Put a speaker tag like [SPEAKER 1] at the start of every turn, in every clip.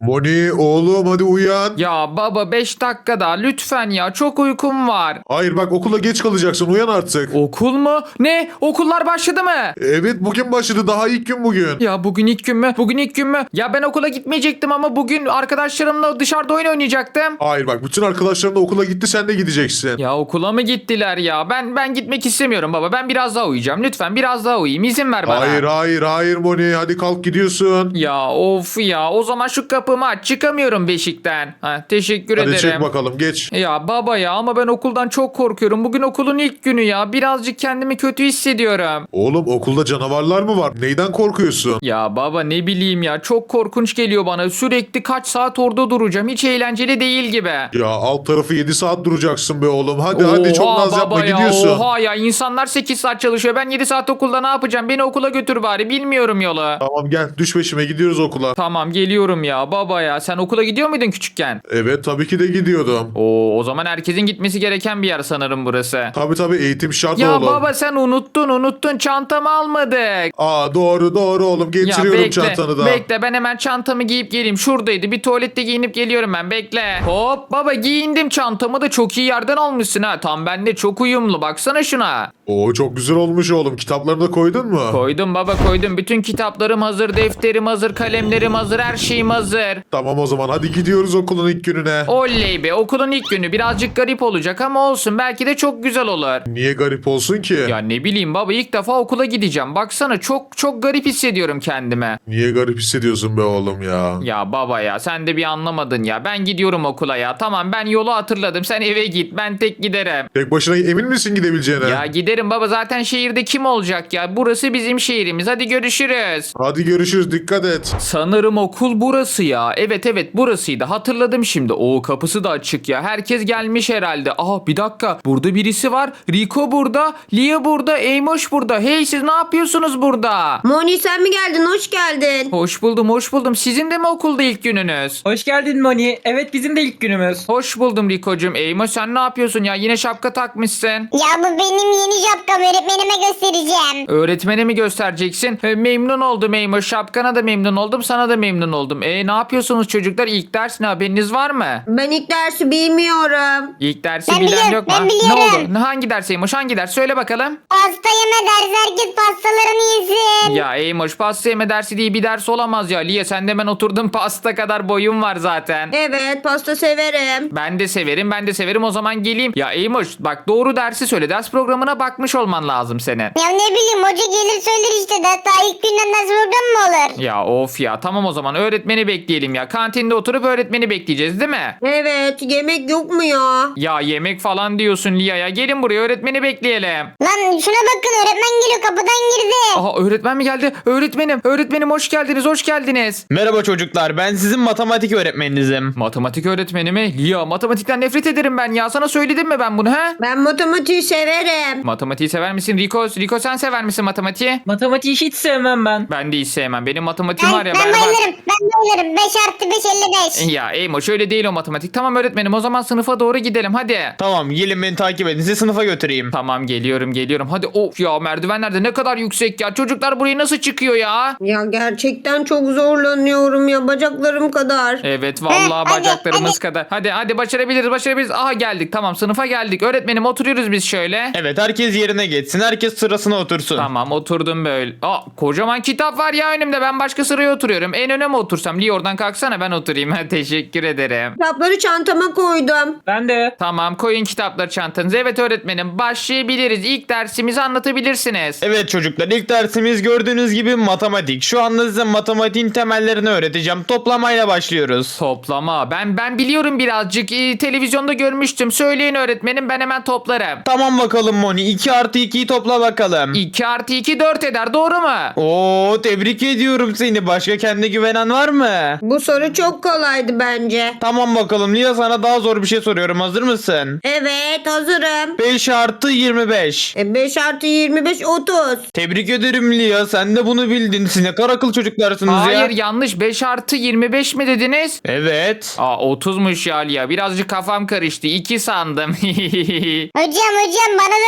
[SPEAKER 1] Moni oğlum hadi uyan.
[SPEAKER 2] Ya baba 5 dakika daha lütfen ya, çok uykum var.
[SPEAKER 1] Hayır bak okula geç kalacaksın, uyan artık.
[SPEAKER 2] Okul mu? Ne? Okullar başladı mı?
[SPEAKER 1] Evet bugün başladı, daha ilk gün bugün.
[SPEAKER 2] Ya bugün ilk gün mü? Bugün ilk gün mü? Ya ben okula gitmeyecektim ama bugün arkadaşlarımla dışarıda oyun oynayacaktım.
[SPEAKER 1] Hayır bak bütün arkadaşların da okula gitti, sen de gideceksin.
[SPEAKER 2] Ya okula mı gittiler ya? Ben gitmek istemiyorum baba. Ben biraz daha uyuyacağım. Lütfen biraz daha uyuyayım. İzin ver bana.
[SPEAKER 1] Hayır Moni, hadi kalk gidiyorsun.
[SPEAKER 2] Ya of ya. O zaman şu kapımı aç. Çıkamıyorum beşikten. Ha, teşekkür
[SPEAKER 1] Hadi
[SPEAKER 2] ederim.
[SPEAKER 1] çek bakalım, geç.
[SPEAKER 2] Ya baba ya, ama ben okuldan çok korkuyorum. Bugün okulun ilk günü ya. Birazcık kendimi kötü hissediyorum.
[SPEAKER 1] Oğlum okulda canavarlar mı var? Neyden korkuyorsun?
[SPEAKER 2] Ya baba ne bileyim ya. Çok korkunç geliyor bana. Sürekli kaç saat orada duracağım. Hiç eğlenceli değil gibi.
[SPEAKER 1] Ya alt tarafı 7 saat duracaksın be oğlum. Hadi çok naz yapma,
[SPEAKER 2] baba ya,
[SPEAKER 1] gidiyorsun.
[SPEAKER 2] oha ya, insanlar 8 saat çalışıyor. Ben 7 saat okulda ne yapacağım? Beni okula götür bari. Bilmiyorum yolu.
[SPEAKER 1] Tamam gel, düş peşime, gidiyoruz okula.
[SPEAKER 2] Tamam geliyorum ya baba ya. Sen okula gidiyor muydun küçükken?
[SPEAKER 1] Evet tabii ki de gidiyordum.
[SPEAKER 2] O zaman herkesin gitmesi gereken bir yer sanırım burası.
[SPEAKER 1] Tabii eğitim şart
[SPEAKER 2] Ya
[SPEAKER 1] oğlum.
[SPEAKER 2] baba sen unuttun. Çantamı almadık.
[SPEAKER 1] Aa doğru oğlum,
[SPEAKER 2] Ya
[SPEAKER 1] getiriyorum çantanı da.
[SPEAKER 2] bekle, ben hemen çantamı giyip geleyim. Şuradaydı, bir tuvalette giyinip geliyorum ben, bekle. Hop baba, giyindim, çantamı da çok iyi yerden almışsın ha. Tam bende çok uyumlu, baksana şuna.
[SPEAKER 1] Oo çok güzel olmuş oğlum, kitaplarını da koydun mu?
[SPEAKER 2] Koydum baba, koydum. Bütün kitaplarım hazır, defterim hazır, kalemlerim hazır, her şeyim hazır.
[SPEAKER 1] Tamam o zaman hadi gidiyoruz okulun ilk gününe.
[SPEAKER 2] Oley be, okulun ilk günü birazcık garip olacak ama olsun, belki de çok güzel olur.
[SPEAKER 1] Niye garip olsun ki?
[SPEAKER 2] Ya ne bileyim baba, ilk defa okula gideceğim. Baksana çok garip hissediyorum kendime.
[SPEAKER 1] Niye garip hissediyorsun be oğlum ya?
[SPEAKER 2] Ya baba ya, sen de bir anlamadın ya. Ben gidiyorum okula ya. Tamam, ben yolu hatırladım. Sen eve git. Ben tek giderim.
[SPEAKER 1] Tek başına emin misin gidebileceğine?
[SPEAKER 2] Ya giderim baba, zaten şehirde kim olacak ya? Burası bizim şehrimiz. Hadi görüşürüz.
[SPEAKER 1] Hadi görüşürüz, dikkat et.
[SPEAKER 2] Sanırım okul burası ya. Evet burasıydı. Hatırladım şimdi. O kapısı da açık ya. Herkes gelmiş herhalde. Aa bir dakika. Burada birisi var. Rico burada. Lia burada. Eymoş burada. Hey, siz ne yapıyorsunuz burada?
[SPEAKER 3] Moni sen mi geldin? Hoş geldin.
[SPEAKER 2] Hoş buldum. Sizin de mi okulda ilk gününüz?
[SPEAKER 4] Hoş geldin Moni. Evet bizim de ilk günümüz.
[SPEAKER 2] Hoş buldum Rico'cum. Eymoş sen ne yapıyorsun ya? Yine şapka takmışsın.
[SPEAKER 5] Ya bu benim yeni şapkam, öğretmenime göstereceğim.
[SPEAKER 2] Öğretmene mi göstereceksin? Memnun oldum Eymoş. Şapkana da memnun oldum. Sana da memnun oldum. Ne yapıyorsunuz çocuklar? İlk ders ne, haberiniz var mı?
[SPEAKER 3] Ben ilk dersi bilmiyorum.
[SPEAKER 2] İlk dersi
[SPEAKER 5] Ben
[SPEAKER 2] bilen
[SPEAKER 5] biliyorum,
[SPEAKER 2] yok mu?
[SPEAKER 5] ben
[SPEAKER 2] Ne
[SPEAKER 5] biliyorum.
[SPEAKER 2] oldu? Hangi ders Eymoş? Hangi ders? Söyle bakalım.
[SPEAKER 5] Pasta yeme dersi, herkes pastalarını yesin.
[SPEAKER 2] Ya Eymoş, pasta yeme dersi diye bir ders olamaz ya. Liye sen de ben oturdum, pasta kadar boyum var zaten.
[SPEAKER 3] Evet pasta severim.
[SPEAKER 2] Ben de severim. O zaman geleyim. Ya Eymoş bak, doğru dersi söyle. Ders programına bakmış olman lazım senin.
[SPEAKER 5] Ya ne bileyim, hoca gelir söyler işte, daha ilk günden ders programı mı olur?
[SPEAKER 2] Ya of ya, tamam o zaman öğretmeni bekleyelim ya. Kantinde oturup öğretmeni bekleyeceğiz değil mi?
[SPEAKER 3] Evet yemek yok mu ya?
[SPEAKER 2] Ya yemek falan diyorsun Lia ya. Gelin buraya, öğretmeni bekleyelim.
[SPEAKER 5] Lan şuna bakın, öğretmen geliyor, kapıdan girdi.
[SPEAKER 2] Aha, öğretmen mi geldi? Öğretmenim hoş geldiniz.
[SPEAKER 4] Merhaba çocuklar. Ben sizin matematik öğretmeninizim.
[SPEAKER 2] Matematik öğretmeni mi? Lia, matematikten nefret ederim ben ya. Sana söyledim mi ben bunu he?
[SPEAKER 3] Ben matematiği severim.
[SPEAKER 2] Matematiği sever misin Rico sen sever misin matematiği?
[SPEAKER 4] Matematiği hiç sevmem ben.
[SPEAKER 2] Ben de hiç sevmem. Benim matematiğim
[SPEAKER 5] Ben,
[SPEAKER 2] var ya,
[SPEAKER 5] ben
[SPEAKER 2] berbat.
[SPEAKER 5] bayılırım. 5 artı 5 55.
[SPEAKER 2] Ya Eymo, şöyle değil o matematik. Tamam öğretmenim, o zaman sınıfa doğru gidelim hadi.
[SPEAKER 4] Tamam gelin beni takip edin. Sizi sınıfa götüreyim.
[SPEAKER 2] Tamam geliyorum. Hadi, of ya, merdivenler de ne kadar yüksek ya. Çocuklar buraya nasıl çıkıyor ya?
[SPEAKER 3] Ya gerçekten çok zorlanıyorum ya bacaklarım kadar.
[SPEAKER 2] Evet vallahi
[SPEAKER 5] Hadi,
[SPEAKER 2] bacaklarımız
[SPEAKER 5] hadi.
[SPEAKER 2] kadar. Hadi başarabiliriz. Aha geldik, tamam sınıfa geldik. Öğretmenim oturuyoruz biz şöyle.
[SPEAKER 4] Evet herkes yerine geçsin. Herkes sırasına otursun.
[SPEAKER 2] Tamam oturdum böyle. Kocaman kitap var ya önümde. Ben başka sıraya oturuyorum. En öne mi otursam? Lee oradan kalksana, ben oturayım. Teşekkür ederim.
[SPEAKER 3] Kitapları çantama koydum.
[SPEAKER 4] Ben de.
[SPEAKER 2] Tamam, koyun kitapları çantanıza. Evet öğretmenim, başlayabiliriz. İlk dersimizi anlatabilirsiniz.
[SPEAKER 4] Evet çocuklar ilk dersimiz gördüğünüz gibi matematik. Şu anda size matematiğin temellerini öğreteceğim. Toplamayla başlıyoruz.
[SPEAKER 2] Toplama. Ben biliyorum birazcık. Televizyonda görmüştüm. Söyleyin öğretmenim, ben hemen toplarım.
[SPEAKER 4] Tamam bakalım Moni. 2 artı 2'yi topla bakalım.
[SPEAKER 2] 2 artı 2 4 eder, doğru mu?
[SPEAKER 4] Oo tebrik ediyorum seni. Başka kendine güvenen var mı?
[SPEAKER 3] Bu soru çok kolaydı bence.
[SPEAKER 4] Tamam bakalım Lia sana daha zor bir şey soruyorum. Hazır mısın?
[SPEAKER 3] Evet hazırım.
[SPEAKER 4] 5 artı 25.
[SPEAKER 3] 5 artı 25 30.
[SPEAKER 4] Tebrik ederim Lia. Sen de bunu bildin. Siz ne kadar akıl çocuklarsınız ya.
[SPEAKER 2] Hayır yanlış. 5 artı 25 mi dediniz?
[SPEAKER 4] Evet.
[SPEAKER 2] 30'muş ya Lia. Birazcık kafam karıştı. 2 sandım.
[SPEAKER 5] Hocam bana da sorun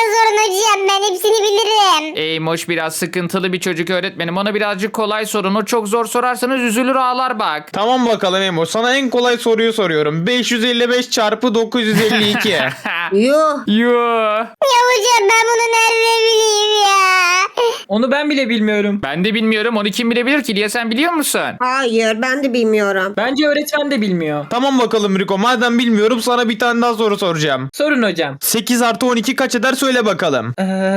[SPEAKER 5] hocam ben hepsini bilirim.
[SPEAKER 2] Eymoş biraz sıkıntılı bir çocuk öğretmenim. Ona birazcık kolay sorun. O çok zor sorarsanız üzülür ağlar bak.
[SPEAKER 4] Tamam bakalım Emo. Sana en kolay soruyu soruyorum. 555 çarpı 952.
[SPEAKER 3] Yuh.
[SPEAKER 2] Yoo.
[SPEAKER 5] Ya hocam ben bunu nerede bileyim ya?
[SPEAKER 6] Onu ben bile bilmiyorum.
[SPEAKER 2] Ben de bilmiyorum. Onu kim bilebilir ki? Liya sen biliyor musun?
[SPEAKER 3] Hayır ben de bilmiyorum.
[SPEAKER 6] Bence öğretmen de bilmiyor.
[SPEAKER 4] Tamam bakalım Rico. Madem bilmiyorum sana bir tane daha soru soracağım.
[SPEAKER 6] Sorun hocam.
[SPEAKER 4] 8 artı 12 kaç eder söyle bakalım.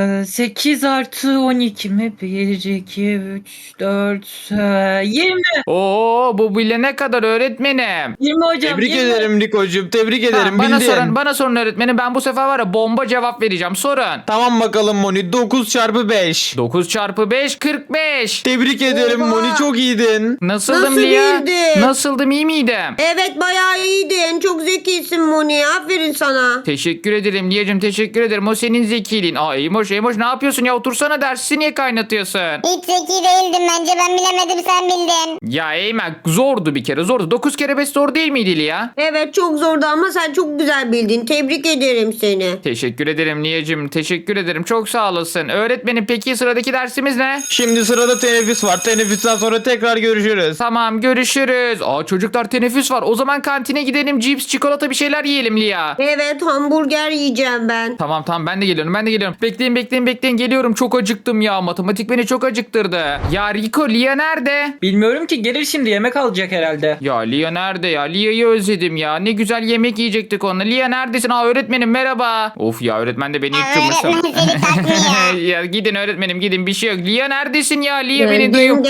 [SPEAKER 6] 8 artı 12 mi? 1, 2, 3, 4, 20.
[SPEAKER 2] Oo bu bilene kadar öğretmenim.
[SPEAKER 6] 20 hocam.
[SPEAKER 4] Tebrik
[SPEAKER 6] 20.
[SPEAKER 4] ederim Rico'cum. Tebrik
[SPEAKER 2] Tamam,
[SPEAKER 4] ederim.
[SPEAKER 2] bana sorun öğretmenim. Ben bu sefer var ya bomba cevap vereceğim. Sorun.
[SPEAKER 4] Tamam bakalım Moni. 9 çarpı 5.
[SPEAKER 2] 9 çarpı 5 45.
[SPEAKER 4] Tebrik ederim
[SPEAKER 3] Oha.
[SPEAKER 4] Moni. Çok iyiydin.
[SPEAKER 2] Nasıldım
[SPEAKER 3] Nasıl
[SPEAKER 2] Liya?
[SPEAKER 3] bildin?
[SPEAKER 2] Nasıldım iyi miydim?
[SPEAKER 3] Evet bayağı iyiydin. Çok zekisin Moni. Aferin sana.
[SPEAKER 2] Teşekkür ederim Liyacığım teşekkür ederim. O senin zekiliğin. Aa Eymoş ne yapıyorsun ya? Otursana dersi niye kaynatıyorsun?
[SPEAKER 5] Hiç zeki değildim bence ben bilemedim sen bildin.
[SPEAKER 2] Ya Eymen zordu bir kere zordu. 9 kere 5 zor değil miydi Liya?
[SPEAKER 3] Evet çok zordu ama sen çok güzel bildin. Tebrik ederim seni.
[SPEAKER 2] Teşekkür ederim Liyacığım. Teşekkür ederim. Çok sağ olasın. Öğretmenim peki sıradaki dersimiz ne?
[SPEAKER 4] Şimdi sırada teneffüs var. Teneffüsten sonra tekrar görüşürüz.
[SPEAKER 2] Tamam görüşürüz. Aa çocuklar teneffüs var. O zaman kantine gidelim. Cips, çikolata bir şeyler yiyelim Liya.
[SPEAKER 3] Evet hamburger yiyeceğim ben.
[SPEAKER 2] Tamam ben de geliyorum. Bekleyin geliyorum. Çok acıktım ya. Matematik beni çok acıktırdı. Ya Rico Liya nerede?
[SPEAKER 6] Bilmiyorum ki gelir şimdi yemek alacak herhalde.
[SPEAKER 2] Ya Liya nerede ya? Liya'yı özledim ya. Ne güzel yemek yiyecektik onunla. Liya neredesin? Aa öğretmenim merhaba. Of ya öğretmen de beni
[SPEAKER 5] Ya
[SPEAKER 2] yıktırmışsın.
[SPEAKER 5] öğretmen seni takmıyor.
[SPEAKER 2] Ya gidin öğretmenim gidin bir şey yok. Liya neredesin ya? Liya beni duyuyor.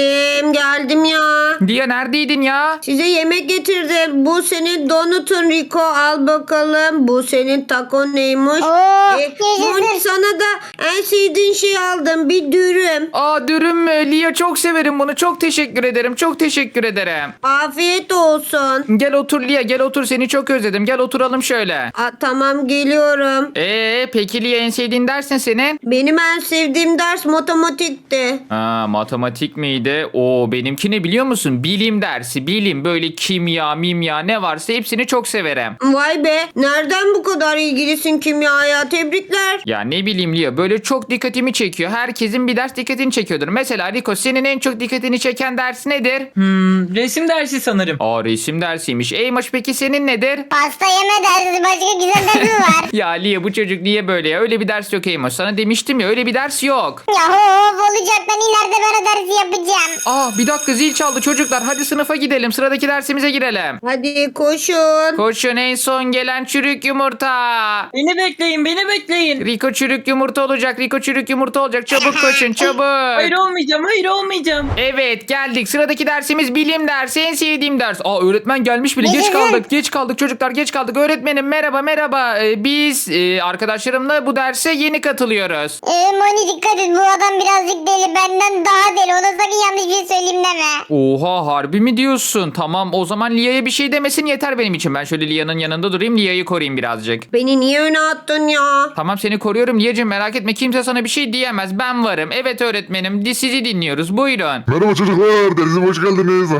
[SPEAKER 3] Geldim ya.
[SPEAKER 2] Liya neredeydin ya?
[SPEAKER 3] Size yemek getirdim. Bu senin donutun Rico al bakalım. Bu senin taco neymiş?
[SPEAKER 5] Oo,
[SPEAKER 3] Moni
[SPEAKER 5] yaşasın.
[SPEAKER 3] sana da en sevdiğin şey aldım. Bir dürüm.
[SPEAKER 2] Aa dürüm mü? Liya çok severim bunu. Çok teşekkür ederim. Çok teşekkür ederim.
[SPEAKER 3] Afiyet olsun.
[SPEAKER 2] Gel otur Liya gel otur. Seni çok özledim. Gel oturalım şöyle.
[SPEAKER 3] Tamam geliyorum.
[SPEAKER 2] Peki Liya en sevdiğin ders ne senin?
[SPEAKER 3] Benim en sevdiğim ders matematikti.
[SPEAKER 2] Matematik miydi? Oo benimki ne biliyor musun? Bilim dersi. Bilim böyle kimya, mimya ne varsa hepsini çok severim.
[SPEAKER 3] Vay be. Nereden bu kadar ilgilisin kimyaya? Tebrikler.
[SPEAKER 2] Ya ne bileyim Lia böyle çok dikkatimi çekiyor. Herkesin bir ders dikkatini çekiyordur. Mesela Rico senin en çok dikkatini çeken ders nedir?
[SPEAKER 6] Resim dersi sanırım.
[SPEAKER 2] Aa resim dersiymiş. Eymoş peki senin nedir?
[SPEAKER 5] Pasta yeme dersi başka güzel dersi mi var?
[SPEAKER 2] Ya Lia bu çocuk niye böyle ya? Öyle bir ders yok Eymoş. Sana demiştim ya öyle bir ders yok.
[SPEAKER 5] Ya hop olacak ben ileride ben o dersi yapacağım.
[SPEAKER 2] Aa bir dakika zil çaldı çocuklar. Hadi sınıfa gidelim. Sıradaki dersimize girelim.
[SPEAKER 3] Hadi koşun.
[SPEAKER 2] Koşun en son gelen çürük yumurta.
[SPEAKER 6] Beni bekleyin.
[SPEAKER 2] Rico çürük yumurta olacak. Rico çürük yumurta olacak. Çabuk koşun çabuk.
[SPEAKER 6] Hayır olmayacağım.
[SPEAKER 2] Evet geldik. Sıradaki dersimiz bilim dersi. En sevdiğim ders. Aa öğretmen gelmiş bile. Geç kaldık çocuklar geç kaldık. Öğretmenim merhaba. Biz arkadaşlarımla bu derse yeni katılıyoruz.
[SPEAKER 5] Moni dikkat et bu adam birazcık deli benden daha deli ona sakın yanlış bir şey söyleyeyim deme.
[SPEAKER 2] Oha harbi mi diyorsun? Tamam o zaman Lia'ya bir şey demesin yeter benim için. Ben şöyle Lia'nın yanında durayım. Lia'yı koruyayım birazcık.
[SPEAKER 3] Beni niye öne attın ya?
[SPEAKER 2] Tamam seni koruyorum Lia'cığım merak etme. Kimse sana bir şey diyemez. Ben varım. Evet öğretmenim. Sizi dinliyoruz. Buyurun.
[SPEAKER 1] Merhaba çocuklar. Dersime hoş geldiniz.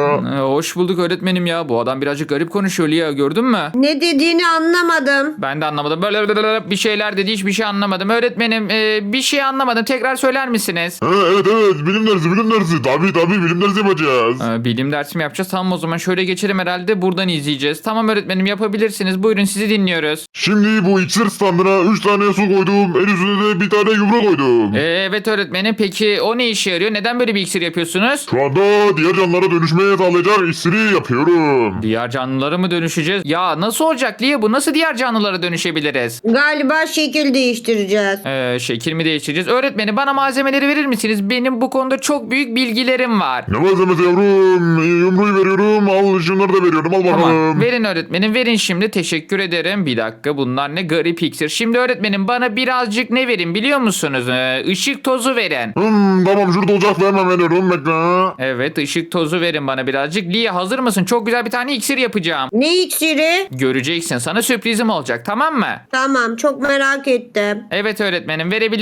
[SPEAKER 2] Hoş bulduk öğretmenim ya. Bu adam birazcık garip konuşuyor Lia gördün mü?
[SPEAKER 3] Ne dediğini anlamadım.
[SPEAKER 2] Ben de anlamadım. Böyle bir şeyler dedi hiçbir şey anlamadım. Öğretmenim bir şey anlamadım. Tekrar söyler misiniz?
[SPEAKER 1] Evet bilim dersi. Tabii bilim dersi yapacağız.
[SPEAKER 2] Bilim dersi mi yapacağız? Tamam o zaman şöyle geçelim herhalde. Buradan izleyeceğiz. Tamam öğretmenim yapabilirsiniz. Buyurun sizi dinliyoruz.
[SPEAKER 1] Şimdi bu iksir standına 3 tane su koydum. En üstüne de bir tane yumru koydum.
[SPEAKER 2] Evet öğretmenim. Peki o ne işe yarıyor? Neden böyle bir iksir yapıyorsunuz?
[SPEAKER 1] Şu anda diğer canlılara dönüşmeye sağlayacak iksiri yapıyorum.
[SPEAKER 2] Diğer canlılara mı dönüşeceğiz? Ya nasıl olacak Lia bu? Nasıl diğer canlılara dönüşebiliriz?
[SPEAKER 3] Galiba şekil değiştireceğiz.
[SPEAKER 2] Şekil mi değiştireceğiz? Öğretmenim bana malzemeleri verir misiniz? Benim bu konuda çok büyük bilgilerim var.
[SPEAKER 1] Ne malzemesi yavrum? Yumruyu veriyorum. Al şunları da veriyorum. Al bakalım.
[SPEAKER 2] Tamam. Verin öğretmenim. Verin şimdi. Teşekkür ederim. Bir dakika. Bunlar ne garip iksir. Şimdi öğretmenim bana birazcık ne verin biliyor musunuz? Işık tozu verin.
[SPEAKER 1] Tamam şurada olacaksa hemen veriyorum. Bekle.
[SPEAKER 2] Evet ışık tozu verin bana birazcık. Lia hazır mısın? Çok güzel bir tane iksir yapacağım.
[SPEAKER 3] Ne iksiri?
[SPEAKER 2] Göreceksin. Sana sürprizim olacak. Tamam mı?
[SPEAKER 3] Tamam çok merak ettim.
[SPEAKER 2] Evet öğretmenim. Verebilirsiniz.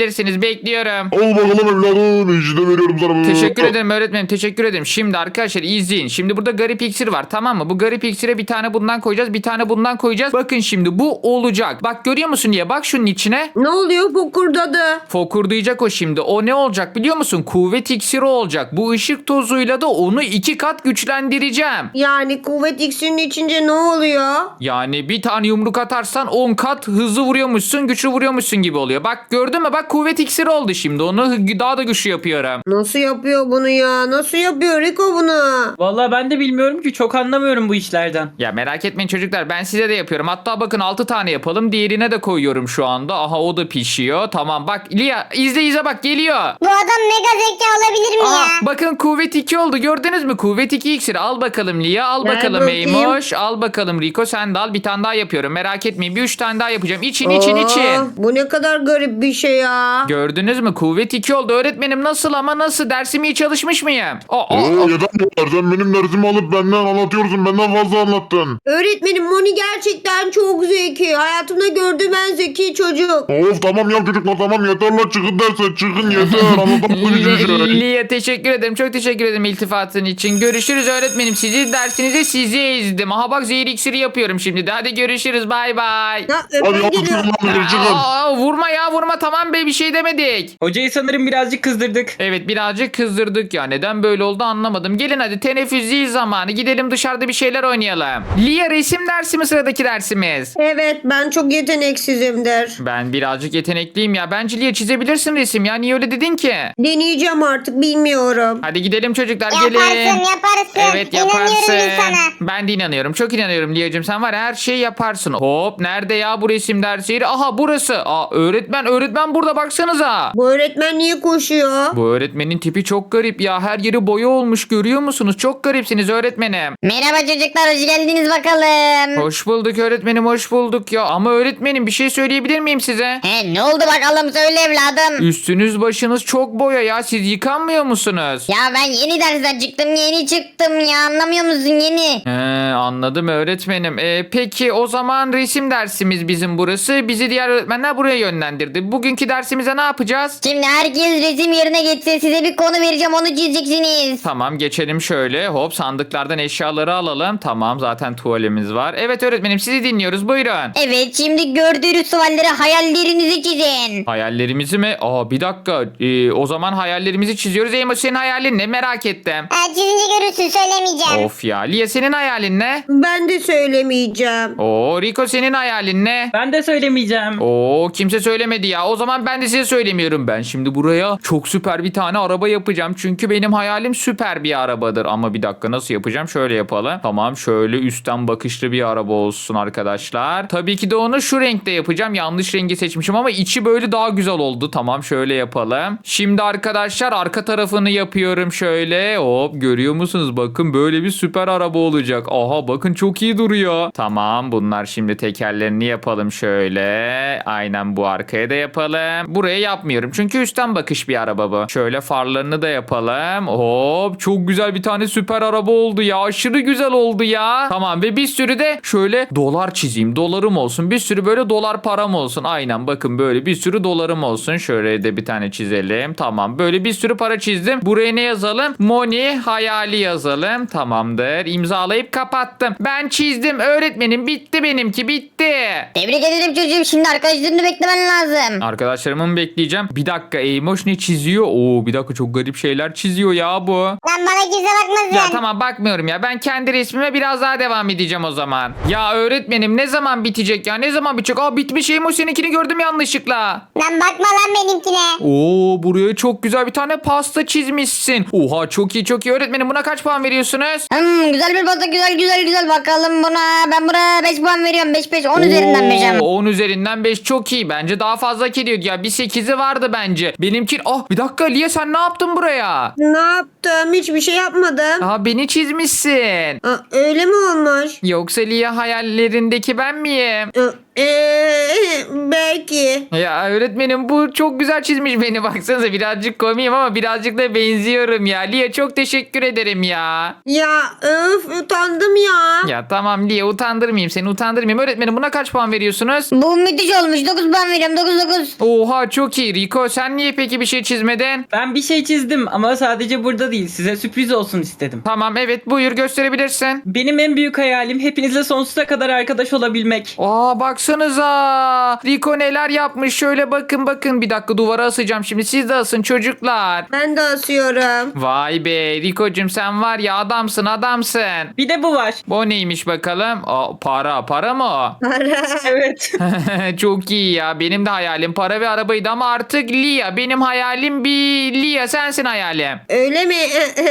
[SPEAKER 2] bekliyorum.
[SPEAKER 1] Al bakalım evladım. İşte veriyorum sana bunu.
[SPEAKER 2] Teşekkür ederim öğretmenim, teşekkür ederim. Şimdi arkadaşlar izleyin. Şimdi burada garip iksir var, tamam mı? Bu garip iksire bir tane bundan koyacağız, bir tane bundan koyacağız. Bakın şimdi bu olacak. Bak görüyor musun diye, bak şunun içine.
[SPEAKER 3] Ne oluyor fokurdadı?
[SPEAKER 2] Fokurdayacak o şimdi. O ne olacak biliyor musun? Kuvvet iksiri olacak. Bu ışık tozuyla da onu 2 kat güçlendireceğim.
[SPEAKER 3] Yani kuvvet iksirini içince ne oluyor?
[SPEAKER 2] Yani bir tane yumruk atarsan 10 kat hızlı vuruyormuşsun, güçlü vuruyormuşsun gibi oluyor. Bak gördün mü? Bak kuvvet iksiri oldu şimdi. Onu daha da güçlü yapıyorum.
[SPEAKER 3] Nasıl yapıyor bunu ya? Nasıl yapıyor Rico bunu?
[SPEAKER 6] Vallahi ben de bilmiyorum ki, çok anlamıyorum bu işlerden.
[SPEAKER 2] Ya merak etmeyin çocuklar, ben size de yapıyorum. Hatta bakın 6 tane yapalım. Diğerine de koyuyorum şu anda. Aha o da pişiyor. Tamam bak Lia izle bak geliyor.
[SPEAKER 5] Bu adam mega zeka olabilir mi
[SPEAKER 2] Aha,
[SPEAKER 5] ya?
[SPEAKER 2] bakın kuvvet 2 oldu, gördünüz mü? Kuvvet 2 iksiri. Al bakalım Lia, al
[SPEAKER 3] Ver
[SPEAKER 2] bakalım
[SPEAKER 3] bakayım.
[SPEAKER 2] Eymoş, al bakalım Rico, sen de al. Bir tane daha yapıyorum, merak etmeyin. Bir 3 tane daha yapacağım. İçin.
[SPEAKER 3] Bu ne kadar garip bir şey ya.
[SPEAKER 2] Gördünüz mü? Kuvvet 2 oldu. Öğretmenim nasıl ama nasıl? Dersimi iyi çalışmış mıyım?
[SPEAKER 1] Yeter bu kadar. Sen benim dersimi alıp benden anlatıyorsun. Benden fazla anlattın.
[SPEAKER 3] Öğretmenim Moni gerçekten çok zeki. Hayatımda gördüğüm en zeki çocuk.
[SPEAKER 1] Of tamam ya çocuklar tamam yeter lan çıkın derse çıkın yeter. Anlatamadım hiçbir şey.
[SPEAKER 2] Lia teşekkür ederim. Çok teşekkür ederim iltifatın için. Görüşürüz öğretmenim. Sizi dersinize sizi ezdim. Aha bak zehir iksiri yapıyorum şimdi de. Hadi görüşürüz. Bay bay.
[SPEAKER 3] Ya
[SPEAKER 1] Hadi
[SPEAKER 3] öpme
[SPEAKER 1] yapın
[SPEAKER 3] geliyor.
[SPEAKER 1] lan çıkın.
[SPEAKER 2] Vurma ya vurma, tamam be, bir şey demedik.
[SPEAKER 6] Hocayı sanırım birazcık kızdırdık.
[SPEAKER 2] Evet birazcık kızdırdık ya. Neden böyle oldu anlamadım. Gelin hadi teneffüs zil zamanı. Gidelim dışarıda bir şeyler oynayalım. Lia resim dersi mi sıradaki dersimiz?
[SPEAKER 3] Evet ben çok yeteneksizimdir.
[SPEAKER 2] Ben birazcık yetenekliyim ya. Bence Lia çizebilirsin resim ya. Niye öyle dedin ki?
[SPEAKER 3] Deneyeceğim artık bilmiyorum.
[SPEAKER 2] Hadi gidelim çocuklar
[SPEAKER 5] Yaparsın
[SPEAKER 2] gelin.
[SPEAKER 5] yaparsın.
[SPEAKER 2] Evet
[SPEAKER 5] İnanıyorum
[SPEAKER 2] yaparsın.
[SPEAKER 5] bir sana.
[SPEAKER 2] Ben de inanıyorum. Çok inanıyorum Liyacığım. Sen var ya, her şeyi yaparsın. Hop nerede ya bu resim dersi yeri? Aha burası. Öğretmen burada baksanıza.
[SPEAKER 3] Bu öğretmen niye koşuyor?
[SPEAKER 2] Bu öğretmenin tipi çok garip ya. Her yeri boya olmuş, görüyor musunuz? Çok garipsiniz öğretmenim.
[SPEAKER 5] Merhaba çocuklar, hoş geldiniz bakalım.
[SPEAKER 2] Hoş bulduk öğretmenim, hoş bulduk ya. Ama öğretmenim bir şey söyleyebilir miyim size?
[SPEAKER 5] He, ne oldu bakalım, söyle evladım.
[SPEAKER 2] Üstünüz başınız çok boya ya. Siz yıkanmıyor musunuz?
[SPEAKER 5] Ya ben yeni dersten çıktım, yeni çıktım ya, anlamıyor musun, yeni.
[SPEAKER 2] Anladım öğretmenim. Peki o zaman resim dersimiz bizim burası. Bizi diğer öğretmenler buraya yönlendirdi. Bugünkü dersimize ne yapacağız?
[SPEAKER 5] Şimdi herkes resim yerine geçsin, size bir konu vereceğim, onu çizeceksiniz.
[SPEAKER 2] Tamam geçelim şöyle. Hop sandıklardan eşyaları alalım. Tamam zaten tuvalimiz var. Evet öğretmenim sizi dinliyoruz. Buyurun.
[SPEAKER 5] Evet, şimdi gördüğünüz sualleri hayallerinizi çizin.
[SPEAKER 2] Hayallerimizi mi? Bir dakika. O zaman hayallerimizi çiziyoruz. Eymo senin hayalin ne? Merak ettim.
[SPEAKER 5] Çizince görürsün, söylemeyeceğim.
[SPEAKER 2] Of ya. Lia senin hayalin ne?
[SPEAKER 3] Ben de söylemeyeceğim.
[SPEAKER 2] Rico senin hayalin ne?
[SPEAKER 6] Ben de söylemeyeceğim.
[SPEAKER 2] Kimse söylemedi ya. O zaman ben de size söylemiyorum. Ben şimdi buraya çok süper bir tane araba yapacağım. Çünkü benim hayalim süper bir arabadır. Ama bir dakika nasıl yapacağım? Şöyle yapalım. Tamam şöyle üstten bakışlı bir araba olsun arkadaşlar. Tabii ki de onu şu renkte yapacağım. Yanlış rengi seçmişim ama içi böyle daha güzel oldu. Tamam şöyle yapalım. Şimdi arkadaşlar arka tarafını yapıyorum şöyle. Hop görüyor musunuz? Bakın böyle bir süper araba olacak. Aha bakın çok iyi duruyor. Tamam bunlar şimdi tekerlerini yapalım şöyle. Aynen bu arkaya da yapalım. Buraya yapmıyorum. Çünkü üstten bakış bir araba bu. Şöyle farlarını da yapalım. Hop çok güzel bir tane süper araba oldu ya. Aşırı güzel oldu ya. Tamam ve bir sürü de şöyle dolar çizeyim. Dolarım olsun. Bir sürü böyle dolar param olsun. Aynen bakın böyle bir sürü dolarım olsun. Şöyle de bir tane çizelim. Tamam böyle bir sürü para çizdim. Buraya ne yazalım? Money hayali yazalım. Tamamdır. İmzalayıp kapattım. Ben çizdim öğretmenim. Bitti benimki bitti.
[SPEAKER 5] Tebrik ederim çocuğum, şimdi arkadaşlarını beklemen lazım.
[SPEAKER 2] Arkadaşlarımı mı bekleyeceğim? Bir dakika Eymoş ne çiziyor? Bir dakika çok garip şeyler çiziyor ya bu.
[SPEAKER 5] Lan bana kimse bakmasın.
[SPEAKER 2] Ya tamam bakmıyorum ya. Ben kendi resmime biraz daha devam edeceğim o zaman. Ya öğretmenim ne zaman bitecek ya? Ne zaman bitecek? Bitmiş Eymoş seninkini gördüm yanlışlıkla.
[SPEAKER 5] Lan bakma lan benimkine.
[SPEAKER 2] Buraya çok güzel bir tane pasta çizmişsin. Oha çok iyi çok iyi. Öğretmenim buna kaç puan veriyorsunuz?
[SPEAKER 5] Güzel bir pasta, güzel bakalım buna. Ben buna 5 puan veriyorum, 5 10 üzerinden 5 ama.
[SPEAKER 2] 10 üzerinden 5 çok iyi. Bence daha fazla hak ediyordu ya. Bir 8'i vardı bence. Benimki... bir dakika Lia sen ne yaptın buraya?
[SPEAKER 3] Ne yaptım? Hiçbir şey yapmadım.
[SPEAKER 2] Beni çizmişsin.
[SPEAKER 3] Öyle mi olmuş?
[SPEAKER 2] Yoksa Lia hayallerindeki ben miyim?
[SPEAKER 3] Belki.
[SPEAKER 2] Ya öğretmenim bu çok güzel çizmiş beni, baksanıza birazcık komiyim ama birazcık da benziyorum ya. Lia çok teşekkür ederim ya.
[SPEAKER 3] Ya utandım ya.
[SPEAKER 2] Ya tamam Lia, utandırmayayım seni, utandırmayayım. Öğretmenim, buna kaç puan veriyorsunuz?
[SPEAKER 5] Bu müthiş olmuş. 9 puan veriyorum. 9.
[SPEAKER 2] Oha, çok iyi. Rico, sen niye peki bir şey çizmedin?
[SPEAKER 6] Ben bir şey çizdim ama sadece burada değil. Size sürpriz olsun istedim.
[SPEAKER 2] Tamam, evet, buyur, gösterebilirsin.
[SPEAKER 6] Benim en büyük hayalim hepinizle sonsuza kadar arkadaş olabilmek.
[SPEAKER 2] Aa, baksanıza. Rico neler yapmış. Şöyle bakın. Bir dakika, duvara asacağım şimdi. Siz de asın çocuklar.
[SPEAKER 3] Ben de asıyorum.
[SPEAKER 2] Vay be Rico'cum, sen var ya, adamsın.
[SPEAKER 6] Bir de bu var.
[SPEAKER 2] Bu neymiş bakalım? Aa, para mı o?
[SPEAKER 6] Evet.
[SPEAKER 2] Çok iyi ya. Benim de hayalim para ve arabaydı ama artık Lia. Benim hayalim bir Lia. Sensin hayalim.
[SPEAKER 3] Öyle mi?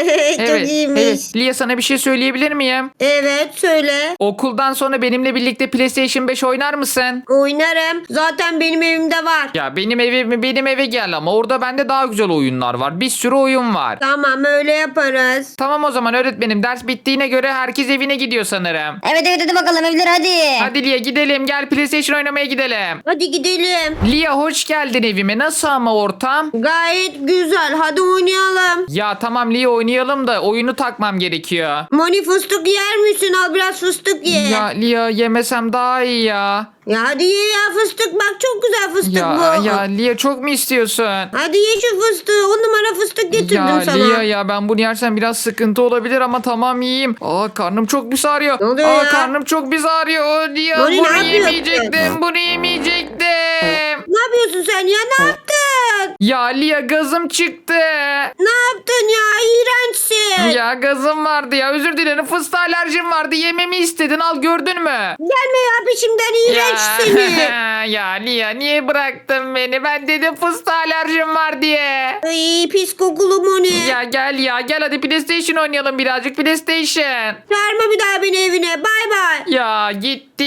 [SPEAKER 3] Çok iyiymiş.
[SPEAKER 2] Evet. Lia, sana bir şey söyleyebilir miyim?
[SPEAKER 3] Evet söyle.
[SPEAKER 2] Okuldan sonra benimle birlikte PlayStation 5 oynar mısın?
[SPEAKER 3] Oynarım. Zaten benim evimde var.
[SPEAKER 2] Ya benim eve gel ama orada bende daha güzel oyunlar var. Bir sürü oyun var.
[SPEAKER 3] Tamam öyle yaparız.
[SPEAKER 2] Tamam o zaman öğretmenim, ders bittiğine göre herkes evine gidiyor sanırım.
[SPEAKER 5] Evet hadi bakalım evler hadi.
[SPEAKER 2] Hadi Lia, gidelim, gel PlayStation oynamaya gidelim.
[SPEAKER 3] Hadi gidelim.
[SPEAKER 2] Lia, hoş geldin evime. Nasıl ama ortam?
[SPEAKER 3] Gayet güzel. Hadi oynayalım.
[SPEAKER 2] Ya tamam Lia, oynayalım da oyunu takmam gerekiyor.
[SPEAKER 3] Moni fıstık yer misin? Al biraz fıstık ye.
[SPEAKER 2] Ya Lia, yemesem daha iyi ya.
[SPEAKER 3] Ya hadi ye ya fıstık. Bak çok güzel fıstık bu.
[SPEAKER 2] Ya Lia, çok mu istiyorsun?
[SPEAKER 3] Hadi ye şu fıstığı. 10 numara fıstık getirdim
[SPEAKER 2] Ya
[SPEAKER 3] sana.
[SPEAKER 2] Lia, ya ben bunu yersem biraz sıkıntı olabilir ama tamam, yiyeyim. Aa, karnım çok pis ağrıyor.
[SPEAKER 3] Ne oluyor ya?
[SPEAKER 2] Karnım çok pis ağrıyor. Lia,
[SPEAKER 3] Moni, ne
[SPEAKER 2] bunu
[SPEAKER 3] yapıyorsun?
[SPEAKER 2] yemeyecektim. Bunu yemeyecektim.
[SPEAKER 3] Ne yapıyorsun sen ya? Ne yaptın?
[SPEAKER 2] Ya Lia, gazım çıktı.
[SPEAKER 3] Ne yaptın ya? İğrençsin.
[SPEAKER 2] Ya gazım vardı ya. Özür dilerim. Fıstığa alerjim vardı. Yememi istedin. Al, gördün mü?
[SPEAKER 3] Gelme ya peşimden iğrenç seni.
[SPEAKER 2] Ya Lia, niye bıraktın beni? Ben dedim fıstığa alerjim var diye.
[SPEAKER 3] Ay pis kokulu Moni.
[SPEAKER 2] Ya gel hadi PlayStation oynayalım birazcık, PlayStation.
[SPEAKER 3] Çağırma bir daha beni evine. Bay bay.
[SPEAKER 2] Ya gitti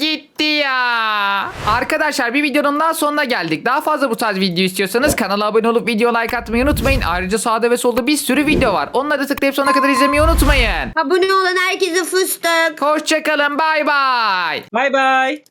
[SPEAKER 2] ya. Arkadaşlar, bir videonun daha sonuna geldik. Daha fazla bu tarz video istiyorsanız kanala abone olup video like atmayı unutmayın. Ayrıca sağda ve solda bir sürü video var. Onları tıklayıp sonuna kadar izlemeyi unutmayın.
[SPEAKER 3] Abone olan herkese fıstık.
[SPEAKER 2] Hoşçakalın, bay bay.
[SPEAKER 6] Bay bay.